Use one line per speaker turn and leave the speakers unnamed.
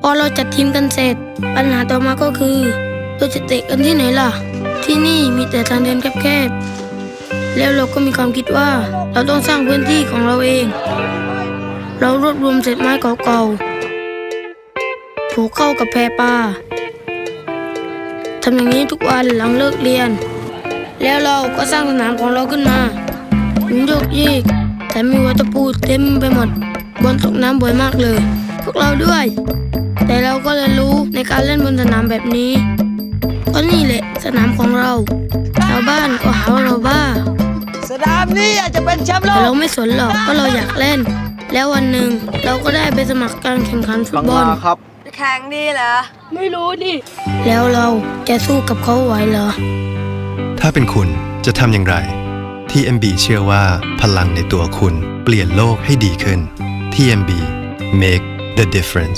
พอเราจัดทีมกันเสร็จปัญหาต่อมาก็คือเราจะเตะกันที่ไหนล่ะที่นี่มีแต่ทางเดินแคบๆแล้วเราก็มีความคิดว่าเราต้องสร้างพื้นที่ของเราเองเรารวบรวมเศษไม้เก่าๆผูกเข้ากับแพปลาทำอย่างนี้ทุกวันหลังเลิกเรียนแล้วเราก็สร้างสนามของเราขึ้นมาหินโยกเยกแต่มีวัตถุเต็มไปหมดบอลตกน้ำบ่อยมากเลยพวกเราด้วยแต่เราก็เรียนรู้ในการเล่นบนสนามแบบนี้เพราะนี่แหละสนามของเราชาวบ้านก็หาว่าเราบ้า
สนามนี้อาจจะเป็นแชมป์โลก
แต่เราไม่สนหรอกเพราะเราอยากเล่นแล้ววันหนึ่งเราก็ได้ไปสมัครการแข่งขันฟุตบอล
ครับแข่งดีเหรอ
ไม่รู้ดิแล้วเราจะสู้กับเขาไหวเหรอ
ถ้าเป็นคุณจะทำอย่างไร TMB เชื่อว่าพลังในตัวคุณเปลี่ยนโลกให้ดีขึ้น TMB Make the difference